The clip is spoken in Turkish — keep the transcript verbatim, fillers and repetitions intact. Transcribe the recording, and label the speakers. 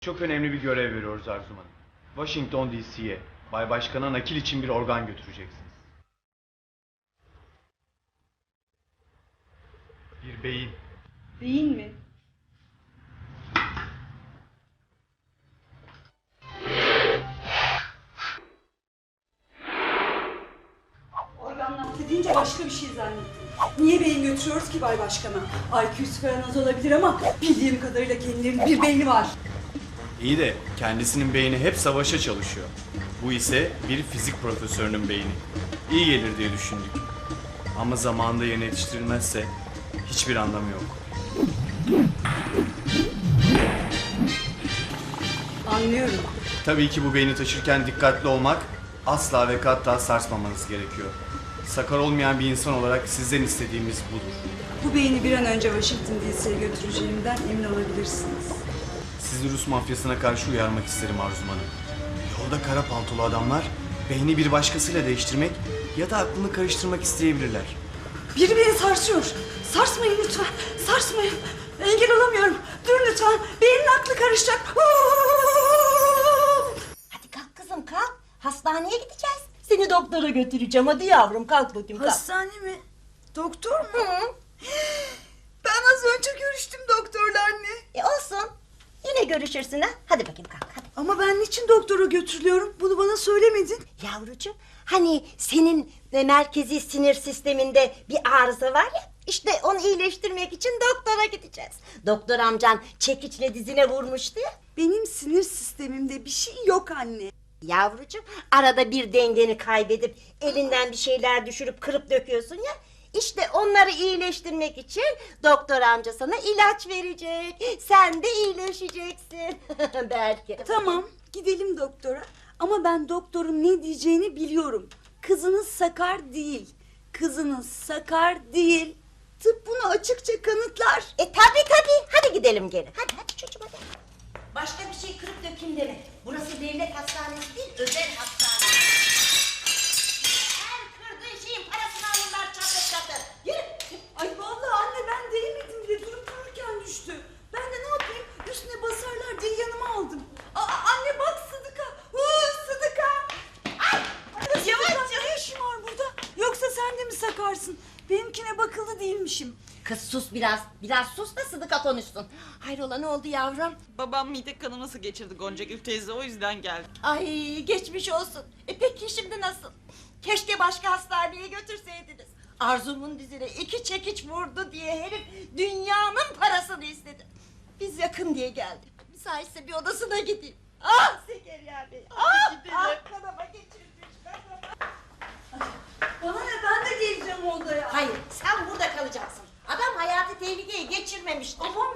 Speaker 1: Çok önemli bir görev veriyoruz Arzum Hanım. Washington D C'ye Bay Başkan'a nakil için bir organ götüreceksiniz. Bir beyin.
Speaker 2: Beyin mi? Organ nakli deyince başka bir şey zannettim. Niye beyin götürüyoruz ki Bay Başkan'a? I Q'su falan az olabilir ama bildiğim kadarıyla kendilerinin bir beyni var.
Speaker 1: İyi de kendisinin beyni hep savaşa çalışıyor. Bu ise bir fizik profesörünün beyni. İyi gelir diye düşündük. Ama zamanında yerine yetiştirilmezse hiçbir anlamı yok.
Speaker 2: Anlıyorum.
Speaker 1: Tabii ki bu beyni taşırken dikkatli olmak, asla ve kata sarsmamanız gerekiyor. Sakar olmayan bir insan olarak sizden istediğimiz budur.
Speaker 2: Bu beyni bir an önce Washington D C'ye götüreceğimden emin olabilirsiniz.
Speaker 1: Sizi Rus mafyasına karşı uyarmak isterim Arzum Hanım. Yolda kara paltolu adamlar beyni bir başkasıyla değiştirmek ya da aklını karıştırmak isteyebilirler.
Speaker 2: Biri beni sarsıyor. Sarsmayın lütfen. Sarsmayın. Engel olamıyorum. Durun lütfen. Beynin aklı karışacak.
Speaker 3: Hadi kalk kızım kalk. Hastaneye gideceğiz. Seni doktora götüreceğim. Hadi yavrum kalk bakayım kalk.
Speaker 2: Hastane mi? Doktor mu?
Speaker 3: Hı.
Speaker 2: Ben az önce görüştüm doktorla anne.
Speaker 3: E olsun. Yine görüşürsün ha. Hadi bakayım kalk hadi.
Speaker 2: Ama ben niçin doktora götürülüyorum? Bunu bana söylemedin.
Speaker 3: Yavrucuğum hani senin e, merkezi sinir sisteminde bir arıza var ya. İşte onu iyileştirmek için doktora gideceğiz. Doktor amcan çekiçle dizine vurmuştu ya.
Speaker 2: Benim sinir sistemimde bir şey yok anne.
Speaker 3: Yavrucuğum arada bir dengeni kaybedip elinden bir şeyler düşürüp kırıp döküyorsun ya. İşte onları iyileştirmek için doktor amca sana ilaç verecek. Sen de iyileşeceksin. Belki.
Speaker 2: Tamam, gidelim doktora. Ama ben doktorun ne diyeceğini biliyorum. Kızınız sakar değil. Kızınız sakar değil. Tıp bunu açıkça kanıtlar.
Speaker 3: E tabi tabi. Hadi gidelim geri. Hadi hadi çocuğum hadi. Başka bir şey kırıp dökeyim deme. Burası devlet hastanesi değil, özel hastane. Her kırdığın şeyin parasını alırlar çatır çatır. Yürü.
Speaker 2: Ay vallahi anne ben değmedim bile durup dururken düştü. Ben de ne yapayım üstüne basarlar diye yanıma aldım. Aa, anne bak Sıdıka. Huu, Sıdıka. Ay, ay yavaş ne işin var burada? Yoksa sen de mi sakarsın? Benimkine bakıldı değilmişim.
Speaker 3: Kız sus biraz. Biraz sus da Sıdıka konuşsun. Hayrola ne oldu yavrum?
Speaker 4: Babam mide kanaması geçirdi Goncagül teyze, o yüzden geldi.
Speaker 3: Ay geçmiş olsun. E peki şimdi nasıl? Keşke başka hastaneye götürseydiniz. Arzumun dizine iki çekiç vurdu diye herif dünyanın parasını istedi. Biz yakın diye geldik. Müsaitse bir odasına gideyim. Ah Zekeriya Bey. Ah, ah kanama geçirmiş kanama.
Speaker 2: Bana ne ben de geleceğim odaya.
Speaker 3: Hayır sen burada kalacaksın. Adam hayatı tehlikeye geçirmemiştir.
Speaker 2: Ama